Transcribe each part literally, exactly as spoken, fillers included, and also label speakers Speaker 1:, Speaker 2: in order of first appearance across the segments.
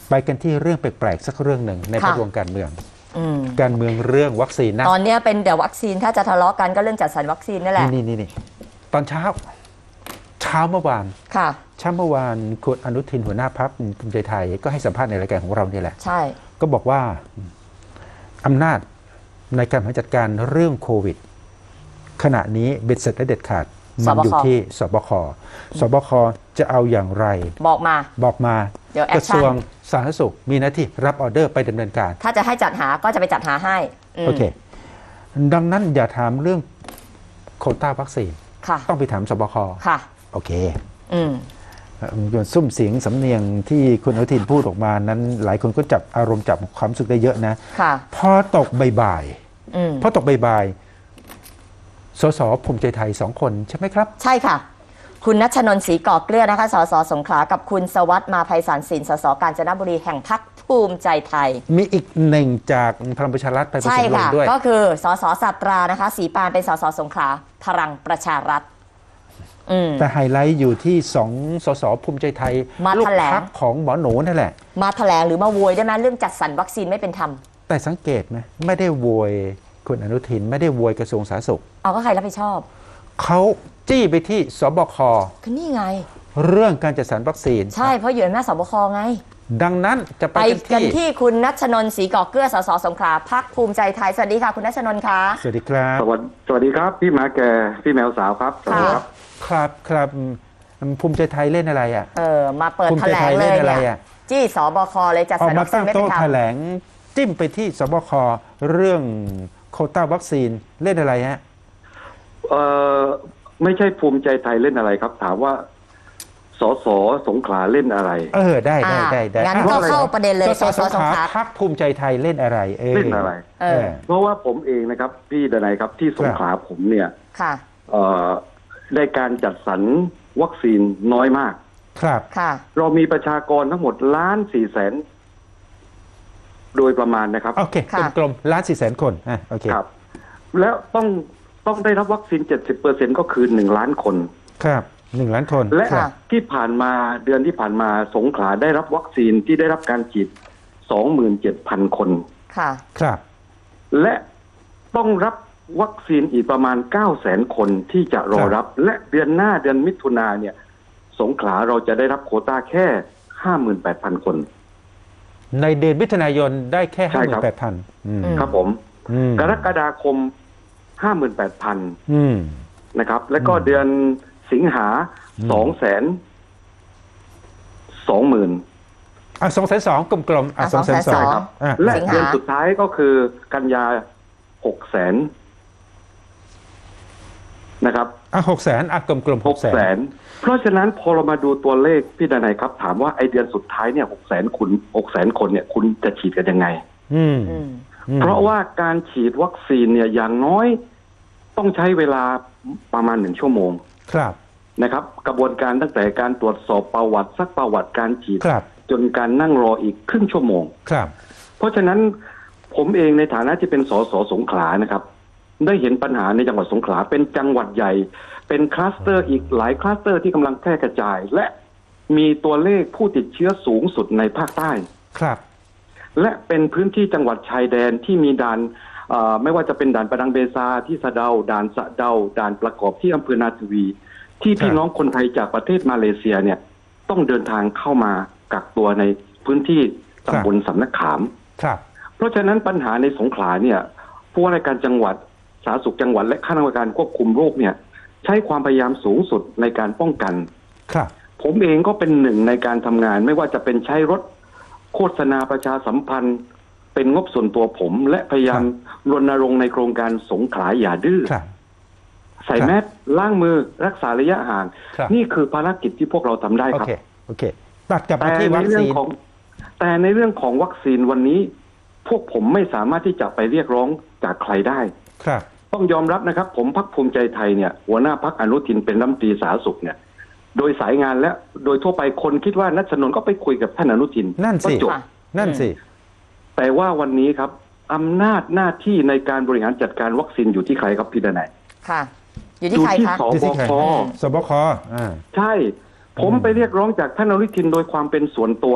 Speaker 1: ไปกันที่เรื่องแปลกๆสักเรื่องหนึ่งในภาพรวมการเมือง
Speaker 2: อืม
Speaker 1: การเมืองเรื่องวัคซีนนะ
Speaker 2: ตอนนี้เป็นแต่วัคซีนถ้าจะทะเลาะกันก็เรื่องจัดสรรวัคซีนนั่นแหละ
Speaker 1: นี่นี่นี่ตอนเช้าเช้าเมื่อวาน
Speaker 2: ค่ะ
Speaker 1: เช้าเมื่อวานคุณอนุทินหัวหน้าพรรคภูมิใจไทยก็ให้สัมภาษณ์ในรายการของเรานี่แหละ
Speaker 2: ใช่
Speaker 1: ก็บอกว่าอำนาจในการบริหารจัดการเรื่องโควิดขณะนี้เบ็ดเสร็จและเด็ดขาดมันอยู่ที่สบคสบคจะเอาอย่างไร
Speaker 2: บอกมา
Speaker 1: บอกมา
Speaker 2: เดี๋ยวแอก
Speaker 1: ระ
Speaker 2: ชั่
Speaker 1: ทรวง
Speaker 2: น
Speaker 1: สาธารณสุขมีหน้าที่รับออเดอร์ไปดำเนินการ
Speaker 2: ถ้าจะให้จัดหาก็จะไปจัดหาให้ม
Speaker 1: โอเค ดังนั้นอย่าถามเรื่องโควต้าวัคซีน
Speaker 2: ค่ะ
Speaker 1: ต้องไปถามสบค
Speaker 2: ค่ะ
Speaker 1: โอเค
Speaker 2: อืม
Speaker 1: ซุ้มเสียงสำเนียงที่คุณอนุทินพูดออกมานั้น หลายคนก็จับอารมณ์จับความรู้สึกได้เยอะนะ
Speaker 2: ค่ะ
Speaker 1: พอตกบ่าย
Speaker 2: อืม
Speaker 1: ๆพอตกบ่ายๆสสภูมิใจไทยสองคนใช่ไหมครับ
Speaker 2: ใช่ค่ะ คุณณัชนนท์ศรีก่อเกลือนะคะ สสสงขลา กับคุณสวัสดิ์มาไพศาลสิน สสกาญจนบุรีแห่งพรรคภูมิใจไทย
Speaker 1: มีอีกหนึ่งจากพลังประชารัฐไปประ
Speaker 2: ใช่
Speaker 1: ชุมลง
Speaker 2: ค่ะ
Speaker 1: ด้วย
Speaker 2: ก็คือสสสัตรานะคะสีปานเป็นสสสงขลาพลังประชารัฐ อืม
Speaker 1: แต่ไฮไลท์อยู่ที่สองสสภูมิใจไทย
Speaker 2: มา
Speaker 1: ลูก
Speaker 2: แถลง
Speaker 1: พรรคของหมอหนูนั่นแหละ
Speaker 2: มาแถลงหรือมาโวยได้ไหมเรื่องจัดสรรวัคซีนไม่เป็นธรรม
Speaker 1: แต่สังเกตไหมไม่ได้โวยคุณอนุทินไม่ได้โวยกระทรวงสาธารณสุข
Speaker 2: เอาก็ใครรับผิดชอบ
Speaker 1: เขาจี้ไปที่สบค
Speaker 2: ก็นี่ไง
Speaker 1: เรื่องการจัดสรรวัคซีน
Speaker 2: ใช่เพราะอยู่ในหน้าจสบคไง
Speaker 1: ดังนั้นจะไป
Speaker 2: ไป
Speaker 1: กั
Speaker 2: กัน น
Speaker 1: ที่
Speaker 2: ที่คุณณัชนนท์ศรีก่อเกลือ สสสงขลาพรรคภูมิใจไทย สวัสดีค่ะ คุณณัชนนท์คะ
Speaker 1: สวัสดีครับ
Speaker 3: สวัสดีสวัสดีครับ พี่หมาแก่พี่แมวสาวครับสวัสดีครับ
Speaker 1: ครับครับภูมิใจไทยเล่นอะไรอ่ะ
Speaker 2: เออมาเปิด
Speaker 1: ภูมิ
Speaker 2: แถ
Speaker 1: ใจ
Speaker 2: ล
Speaker 1: ไท
Speaker 2: ง
Speaker 1: ย
Speaker 2: เล
Speaker 1: เล่น
Speaker 2: ย
Speaker 1: อะไร
Speaker 2: เนี่ย
Speaker 1: อ่ะ
Speaker 2: จี้สบคเลยจัด
Speaker 1: ออ
Speaker 2: สร
Speaker 1: ก
Speaker 2: ร
Speaker 1: มา
Speaker 2: วัคซี
Speaker 1: ตั้
Speaker 2: น
Speaker 1: ง
Speaker 2: ไม่เป็
Speaker 1: โต๊ะ
Speaker 2: นธรร
Speaker 1: แถ
Speaker 2: ม
Speaker 1: ลงจิ้มไปที่สบคเรื่องโควต้าวัคซีนเล่นอะไรฮะ
Speaker 3: เอ่อไม่ใช่ภูมิใจไทยเล่นอะไรครับ ถามว่าสสสงขลาเล่นอะไร
Speaker 1: เออได้ได้ได้ได้
Speaker 2: งั้นก็เข้าประเด็นเลย
Speaker 1: ส
Speaker 2: ส
Speaker 1: ส
Speaker 2: ส
Speaker 1: ส
Speaker 2: ส
Speaker 1: ง
Speaker 2: ง
Speaker 1: ข
Speaker 2: ข
Speaker 1: ลา
Speaker 2: ลา
Speaker 1: พรรคภูมิใจไทยเล่นอะไรเออ
Speaker 3: เล่นอะไร
Speaker 2: เออ
Speaker 3: เพราะว่าผมเองนะครับ พี่ดนัยครับที่สงขลาผมเนี่ย
Speaker 2: ค่ะ
Speaker 3: เอ่อได้การจัดสรรวัคซีนน้อยมาก
Speaker 1: ครับ
Speaker 2: ค่ะ
Speaker 3: เรามีประชากรทั้งหมดล้านสี่แสนโดยประมาณนะครับ
Speaker 1: โอเค
Speaker 2: ค่ะ
Speaker 1: กลมๆล้านสี่แสนคนอ่ะโอเค
Speaker 3: ครับ แล้วต้องต้องได้รับวัคซีนเจ็ดสิบเปอร์เซ็นก็คือหนึ่งล้านคน
Speaker 1: ครับหนึ่งล้านคน
Speaker 3: และ
Speaker 1: ครับ
Speaker 3: ที่ผ่านมาเดือนที่ผ่านมาสงขลาได้รับวัคซีนที่ได้รับการฉีด สองหมื่นเจ็ดพัน คน
Speaker 2: ค่ะ
Speaker 1: ครับ
Speaker 3: และต้องรับวัคซีนอีกประมาณ เก้าแสน คนที่จะรอรับ และเดือนหน้าเดือนมิถุนาเนี่ย สงขลาเราจะได้รับโควต้าแค่ ห้าหมื่นแปดพัน คน
Speaker 1: ในเดือนมิถุนายนได้แค่
Speaker 3: ใช่
Speaker 1: ห้าห
Speaker 3: ค
Speaker 1: มื่
Speaker 3: รั
Speaker 1: น
Speaker 3: บ
Speaker 1: แปดพันอืม
Speaker 3: ครับผม
Speaker 1: อืม
Speaker 3: กรกฎาคม ห้าหมื่นแปดพัน
Speaker 1: อืม
Speaker 3: นะครับ แล้วก็
Speaker 1: อืม
Speaker 3: เดือนสิงหา
Speaker 1: อืม
Speaker 3: สองแสนสองหมื่น
Speaker 1: อ่ะสองแสนสองกลมๆอ่ะ
Speaker 2: อ่ะ
Speaker 1: สองแสนสอง
Speaker 2: สองแสนสอง
Speaker 1: อ่ะ
Speaker 3: และ
Speaker 2: สิงหา
Speaker 3: เดือนสุดท้ายก็คือกันยาหกแสนนะครับ
Speaker 1: อ่ะหกแสนอ่ะกลมๆ
Speaker 3: ห
Speaker 1: ห
Speaker 3: ก
Speaker 1: ก
Speaker 3: แส
Speaker 1: แสน
Speaker 3: นเพราะฉะนั้นพอเรามาดูตัวเลขพี่ดนัยครับ ถามว่าไอเดือนสุดท้ายเนี่ยหกแสนคุณหกแสนคนเนี่ยคุณจะฉีดกันยังไง
Speaker 1: อืม
Speaker 2: อืม
Speaker 1: อืม
Speaker 3: เพราะว่าการฉีดวัคซีนเนี่ยอย่างน้อยต้องใช้เวลาประมาณหนึ่งชั่วโมง
Speaker 1: ครับ
Speaker 3: นะครับ กระบวนการตั้งแต่การตรวจสอบประวัติซักประวัติการฉีด
Speaker 1: ครับ
Speaker 3: จนการนั่งรออีกครึ่งชั่วโมง
Speaker 1: ครับ
Speaker 3: เพราะฉะนั้นผมเองในฐานะที่เป็นสสสงขลานะครับ ได้เห็นปัญหาในจังหวัดสงขลาเป็นจังหวัดใหญ่ เป็นคลัสเตอร์อีกหลายคลัสเตอร์ที่กำลังแพร่กระจาย และมีตัวเลขผู้ติดเชื้อสูงสุดในภาคใต้
Speaker 1: ครับ
Speaker 3: และเป็นพื้นที่จังหวัดชายแดนที่มีด่านเอ่อไม่ว่าจะเป็นด่านประดังเบซาที่สะเดาด่านสะเดาด่านประกอบที่อำเภอนาทวี ที่พี่น้องคนไทยจากประเทศมาเลเซียเนี่ยต้องเดินทางเข้ามากักตัวในพื้นที่ตำบลสำนักขาม
Speaker 1: ครับ
Speaker 3: เพราะฉะนั้นปัญหาในสงขลาเนี่ยผู้ว่าราชการจังหวัดสาธารณสุขจังหวัดและคณะกรรมการควบคุมโรคเนี่ยใช้ความพยายามสูงสุดในการป้องกัน
Speaker 1: ครับ
Speaker 3: ผมเองก็เป็นหนึ่งในการทำงานไม่ว่าจะเป็นใช้รถโฆษณาประชาสัมพันธ์ เป็นงบส่วนตัวผม และพยายามรณรงค์ในโครงการสงขลาอย่าดื้อ
Speaker 1: ครับ
Speaker 3: ใส่แมสล้างมือรักษาระยะห่าง
Speaker 1: ครับ
Speaker 3: นี่คือภารกิจที่พวกเราทำได้
Speaker 1: โอ
Speaker 3: ครับ
Speaker 1: เค โอเค ตัดกลับ
Speaker 3: แต่
Speaker 1: มาที่
Speaker 3: ใน
Speaker 1: วัค
Speaker 3: เรื่อ
Speaker 1: ซี
Speaker 3: ง
Speaker 1: น
Speaker 3: ของแต่ในเรื่องของวัคซีนวันนี้ พวกผมไม่สามารถที่จะไปเรียกร้องจากใครได้
Speaker 1: ครับ
Speaker 3: ต้องยอมรับนะครับ ผมพรรคภูมิใจไทยเนี่ยหัวหน้าพรรคอนุทินเป็นรัฐมนตรีสาธารณสุขเนี่ย โดยสายงานและโดยทั่วไปคนคิดว่าณัชนนท์ก็ไปคุยกับท่านอนุทิน
Speaker 1: นั่นสิ
Speaker 3: ก็จบ
Speaker 2: ค่ะ
Speaker 1: นั่นสิ
Speaker 3: แต่ว่าวันนี้ครับอำนาจหน้าที่ในการบริหารจัดการวัคซีนอยู่ที่ใครครับพี่ดนัย
Speaker 2: ค่ะ อยู่ที่ใคร
Speaker 3: ที่
Speaker 2: คะ
Speaker 3: ส
Speaker 1: อยู่ที่
Speaker 3: บ
Speaker 1: ใคร
Speaker 3: ค
Speaker 1: สบคอ่า
Speaker 3: ใช่ ผมไปเรียกร้องจากท่านอนุทินโดยความเป็นส่วนตัวเนี่ย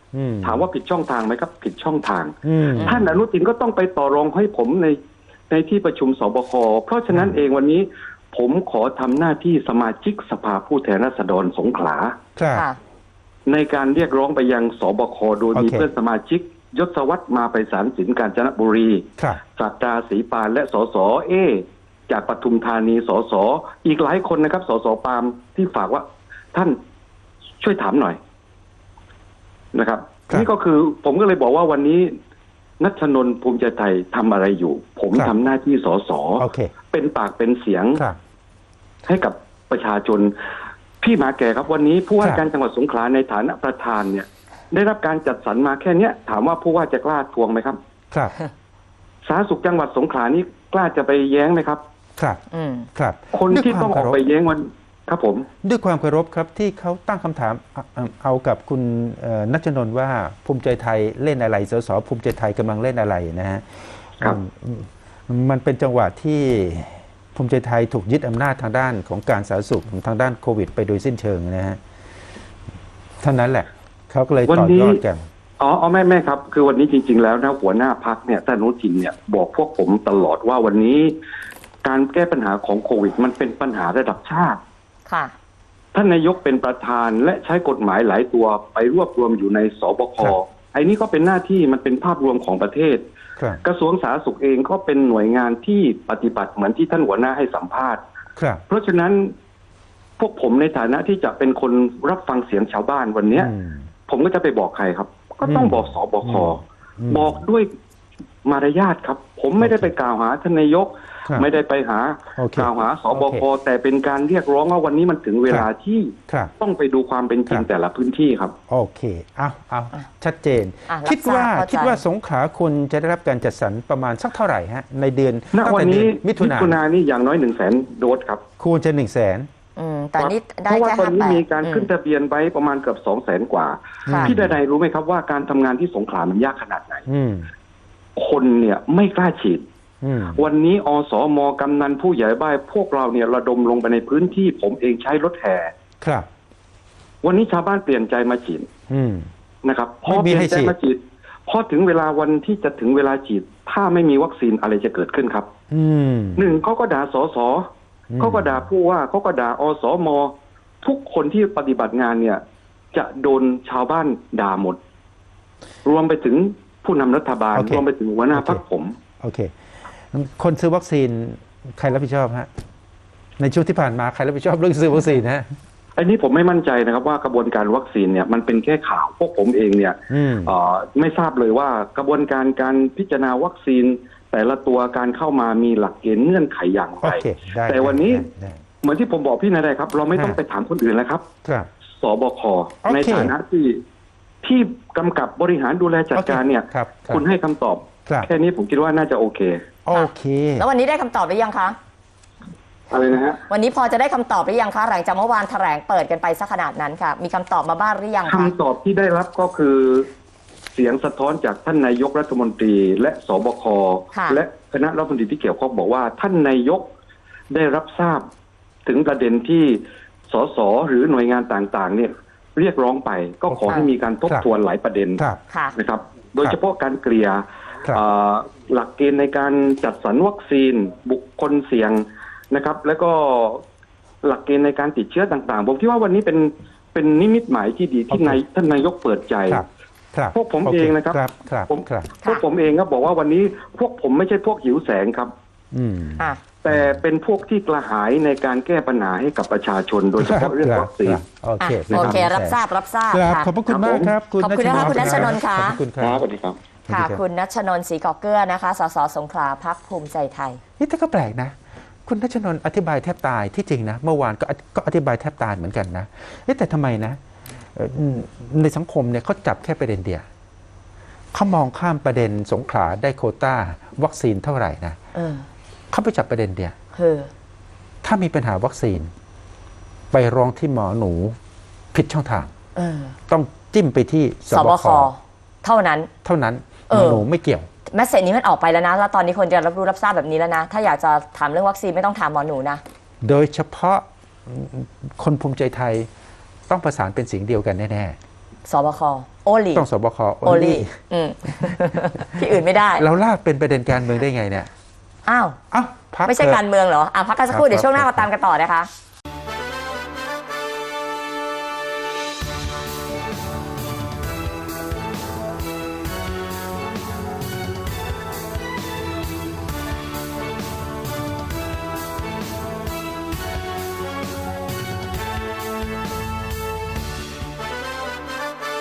Speaker 1: อืม
Speaker 3: ถามว่าผิดช่องทางไหมครับผิดช่องทาง
Speaker 1: อืม
Speaker 3: ท่านอนุทินก็ต้องไปต่อรองให้ผมในในที่ประชุมสบคเพราะฉะนั้นเองวันนี้ผมขอทำหน้าที่สมาชิกสภาผู้แทนราษฎรสงขลา
Speaker 1: ครับ
Speaker 2: ค่ะ
Speaker 3: ในการเรียกร้องไปยังสบคโดยมี
Speaker 1: โอเค
Speaker 3: เพื่อนสมาชิกยศวัตรมาไปสารสินกาญจนบุรี
Speaker 1: ครับ
Speaker 3: ศักดาศรีปานและสสเอ จากปทุมธานีสสอีกหลายคนนะครับสสปาล์มที่ฝากว่าท่านช่วยถามหน่อยนะครับ
Speaker 1: ครับ
Speaker 3: นี่ก็คือผมก็เลยบอกว่าวันนี้นัชนนท์ภูมิใจไทยทำอะไรอยู่ ผม
Speaker 1: ครับ
Speaker 3: ทำหน้าที่สส
Speaker 1: โอเค
Speaker 3: เป็นปากเป็นเสียง
Speaker 1: ครับ
Speaker 3: ให้กับประชาชนพี่หมาแก่ครับวันนี้ผู้ว่า
Speaker 1: ครับ
Speaker 3: การจังหวัดสงขลาในฐานะประธานเนี่ย ได้รับการจัดสรรมาแค่เนี้ยถามว่าผู้ว่าจะกล้าทวงไหมครับ
Speaker 1: ครับ
Speaker 3: สาธารณสุขจังหวัดสงขลานี่กล้าจะไปแย้งไหมครับ
Speaker 1: ครับ
Speaker 2: อืม
Speaker 1: ครับ
Speaker 3: คนที่ต้องออกไปแย้งวันครับผม
Speaker 1: ด้วยความเคารพครับที่เขาตั้งคำถามเอาเอาเอากับคุณเอ่อนัชนนท์ว่าภูมิใจไทยเล่นอะไรสสภูมิใจไทยกำลังเล่นอะไรนะฮะ
Speaker 3: ครับ
Speaker 1: อืมมันเป็นจังหวะที่ภูมิใจไทยถูกยึดอำนาจทางด้านของการสาธารณสุขทางด้านโควิด ไปโดยสิ้นเชิงนะฮะเท่านั้นแหละเขาก็เลยต่อยอดกัน
Speaker 3: อ๋ออ๋อแม่แม่ครับ คือวันนี้จริง ๆ แล้วนะหัวหน้าพักเนี่ยท่านอนุทินเนี่ยบอกพวกผมตลอดว่าวันนี้ การแก้ปัญหาของโควิด มันเป็นปัญหาระดับชาติ
Speaker 2: ค่ะ
Speaker 3: ท่านนายกเป็นประธานและใช้กฎหมายหลายตัวไปรวบรวมอยู่ในสบค
Speaker 1: ครับ
Speaker 3: ไอ้นี่ก็เป็นหน้าที่มันเป็นภาพรวมของประเทศ
Speaker 1: ครับ
Speaker 3: กระทรวงสาธารณสุขเองก็เป็นหน่วยงานที่ปฏิบัติเหมือนที่ท่านหัวหน้าให้สัมภาษณ์
Speaker 1: ครับ
Speaker 3: เพราะฉะนั้นพวกผมในฐานะที่จะเป็นคนรับฟังเสียงชาวบ้านวันเนี้ย
Speaker 1: อืม
Speaker 3: ผมก็จะไปบอกใครครับ ก็ต้อง
Speaker 1: อืม
Speaker 3: บอกสบค
Speaker 1: อืม
Speaker 3: บอกด้วยมารยาทครับ ผมไม่ได้ไปกล่าวหาท่านนายก
Speaker 1: ครับ
Speaker 3: ไม่ได้ไปหา
Speaker 1: โอเค
Speaker 3: กล่าวหาสบ
Speaker 1: โอ
Speaker 3: ค
Speaker 1: เค
Speaker 3: แต่เป็นการเรียกร้องว่าวันนี้มันถึงเวลาที่
Speaker 1: ครับ
Speaker 3: ต้องไปดูความเป็นจริง
Speaker 1: ครับ
Speaker 3: แต่ละพื้นที่ครับ
Speaker 1: โอเค เอาเอา
Speaker 2: อ่ะ
Speaker 1: ชัดเจน
Speaker 2: อ่ะ
Speaker 1: คิดว่า
Speaker 2: รับทราบเข้าใจ
Speaker 1: คิดว่าสงขลาคุณจะได้รับการจัดสรรประมาณสักเท่าไหร่ฮะ ในเดือน
Speaker 3: ณ
Speaker 1: ตั้ง
Speaker 3: วัน
Speaker 1: แต่เดื
Speaker 3: นี้
Speaker 1: อนมิถุนา
Speaker 3: นานี่อย่างน้อยหนึ่งแสนโดสครับ
Speaker 1: ควรจะหนึ่งแสน
Speaker 2: อืม แต่นี่
Speaker 3: เพ
Speaker 2: ได้
Speaker 3: ราะว่า
Speaker 2: แค่
Speaker 3: ตอน
Speaker 2: ห้า
Speaker 3: นี้
Speaker 2: แปด
Speaker 3: มีการขึ้นทะเบียนไว้ประมาณเกือบสองแสนกว่า
Speaker 2: ค่ะ
Speaker 3: พี่ใดๆรู้ไหมครับว่าการทำงานที่สงขลามันยากขนาดไหน
Speaker 1: อืม
Speaker 3: คนเนี่ยไม่กล้าฉีด
Speaker 1: อืม
Speaker 3: วันนี้อสมกำนันผู้ใหญ่บ้านพวกเราเนี่ยระดมลงไปในพื้นที่ผมเองใช้รถแห่
Speaker 1: ครับ
Speaker 3: วันนี้ชาวบ้านเปลี่ยนใจมาฉีด
Speaker 1: อืม
Speaker 3: นะครับพ
Speaker 1: ไม่
Speaker 3: อ
Speaker 1: มี
Speaker 3: เปลี่ย
Speaker 1: ให้
Speaker 3: นใจ
Speaker 1: ฉีด
Speaker 3: มาฉีดพอถึงเวลาวันที่จะถึงเวลาฉีด ถ้าไม่มีวัคซีนอะไรจะเกิดขึ้นครับ
Speaker 1: อืม
Speaker 3: หนึ่งเขาก็ด่าสส
Speaker 1: อืม
Speaker 3: เขาก็ด่าผู้ว่าเขาก็ด่าอสมทุกคนที่ปฏิบัติงานเนี่ย จะโดนชาวบ้านด่าหมด รวมไปถึงผู้นำรัฐบาล
Speaker 1: โอเค
Speaker 3: รวมไปถึงหัวหน้า
Speaker 1: โอเค
Speaker 3: พรรคผม
Speaker 1: โอเค คนซื้อวัคซีนใครรับผิดชอบฮะ ในช่วงที่ผ่านมาใครรับผิดชอบเรื่องซื้อวัคซีนฮะ
Speaker 3: อันนี้ผมไม่มั่นใจนะครับว่ากระบวนการวัคซีนเนี่ยมันเป็นแค่ข่าวพวกผมเองเนี่ย
Speaker 1: อืม
Speaker 3: เอ่อไม่ทราบเลยว่ากระบวนการการพิจารณาวัคซีน แต่ละตัวการเข้ามามีหลักเกณฑ์เงื่อนไขอย่าง
Speaker 1: โอ
Speaker 3: ไร
Speaker 1: เค ได้
Speaker 3: แต่วันนี้
Speaker 1: ได้ได้
Speaker 3: เหมือนที่ผมบอกพี่นายได้ครับ เราไม่ต้อง
Speaker 1: ฮะ
Speaker 3: ไปถามคนอื่นแล้วครับ
Speaker 1: ครับ
Speaker 3: สบค
Speaker 1: โอเค
Speaker 3: ในฐานะที่ที่กำกับบริหารดูแลจัดการเนี่ย
Speaker 1: ครับครับ
Speaker 3: คุณให้คำตอบ
Speaker 1: ครับ
Speaker 3: แค่นี้ผมคิดว่าน่าจะโอเค
Speaker 1: โอเค
Speaker 2: แล้ววันนี้ได้คำตอบหรือยังคะ
Speaker 3: อะไรนะฮะ
Speaker 2: วันนี้พอจะได้คำตอบหรือยังคะหลังจากเมื่อวานแถลงเปิดกันไปสักขนาดนั้นค่ะ มีคำตอบมาบ้างหรือยังคะ
Speaker 3: คำตอบที่ได้รับก็คือเสียงสะท้อนจากท่านนายกรัฐมนตรี และสบค
Speaker 2: ค่ะ
Speaker 3: และคณะรัฐมนตรีที่เกี่ยวข้องบอกว่าท่านนายกได้รับทราบถึงประเด็นที่สสหรือหน่วยงานต่างๆ เนี่ยเรียกร้องไป ก็ขอให้มีการทบทวนหลายประเด็น
Speaker 1: ครับ
Speaker 2: ค่ะ
Speaker 3: นะครับ โดยเฉพาะการเกลี่ย
Speaker 1: ครับ
Speaker 3: เอ่อหลักเกณฑ์ในการจัดสรรวัคซีน บุคคลเสี่ยงนะครับ แล้วก็หลักเกณฑ์ในการติดเชื้อต่างๆผมคิดว่าวันนี้เป็นเป็นนิมิตหมายที่ดีที่
Speaker 1: โอเค
Speaker 3: นายท่านนายกเปิดใจ
Speaker 1: ครับ ครับ
Speaker 3: พวกผม
Speaker 1: โ
Speaker 3: เองนะครับ
Speaker 1: ครับ ครับ
Speaker 3: ผม
Speaker 1: ครับ
Speaker 3: พวกผมเองก็บอกว่าวันนี้พวกผมไม่ใช่พวกหิวแสงครับ
Speaker 1: อืม
Speaker 2: ค่ะ
Speaker 3: แต่เป็นพวกที่กระหายในการแก้ปัญหาให้กับประชาชน โดยเฉพาะเรื่องวัคซีน
Speaker 1: โอเค
Speaker 2: อ่ะโอเค รับทราบ รับทราบ
Speaker 1: ครับ
Speaker 2: ค่ะ
Speaker 1: ขอบพระคุณมากครับ
Speaker 2: ขอบคุณนะคะคุณณัชนนท์ค่ะ
Speaker 1: ขอบคุณค
Speaker 3: ค
Speaker 1: รั
Speaker 3: รั
Speaker 1: บบ
Speaker 3: สวัสดีครับ
Speaker 2: ค่ะ
Speaker 1: สวัสดีรับ
Speaker 2: คุณณัชนนท์ศรีก่อเกลือนะคะ สสสงขลาพรรคภูมิใจไทย
Speaker 1: นี่แต่ก็แปลกนะ คุณนัชนนท์อธิบายแทบตายที่จริงนะ เมื่อวานก็ก็อธิบายแทบตายเหมือนกันนะเอ๊ะแต่ทำไมนะเอ่อในสังคมเนี่ยเขาจับแค่ประเด็นเดียวเขามองข้ามประเด็นสงขลาได้โควต้า วัคซีนเท่าไหร่นะ
Speaker 2: เออ
Speaker 1: เขาไปจับประเด็นเดียว
Speaker 2: คือ
Speaker 1: ถ้ามีปัญหาวัคซีน ไปร้องที่หมอหนูผิดช่องทาง
Speaker 2: เออ
Speaker 1: ต้องจิ้มไปที่ส
Speaker 2: ส
Speaker 1: บบ ค
Speaker 2: ค เท่านั้น
Speaker 1: เท่านั้น
Speaker 2: เอ
Speaker 1: หม
Speaker 2: อ
Speaker 1: อหนูไม่เกี่ยว
Speaker 2: แมสเซจนี้มันออกไปแล้วนะ แล้วตอนนี้คนจะรับรู้รับทราบแบบนี้แล้วนะ ถ้าอยากจะถามเรื่องวัคซีนไม่ต้องถามหมอหนูนะ
Speaker 1: โดยเฉพาะคนภูมิใจไทยต้องประสานเป็นเสียงเดียวกันแน่
Speaker 2: สบคโอลี
Speaker 1: ต้องสบค
Speaker 2: โอลีอืม ที่อื่นไม่ได้
Speaker 1: เราลากเป็นประเด็นการเมืองได้ไงเนี่ย
Speaker 2: อ้าว
Speaker 1: อ้าวพัก
Speaker 2: ไม่ใช่
Speaker 1: เถอะ
Speaker 2: การเมืองเหรออ่ะพักกันสักครู่
Speaker 1: ครับ
Speaker 2: เดี๋ยวช่วงหน้า
Speaker 1: ครับ
Speaker 2: มาตามกันต่อนะคะ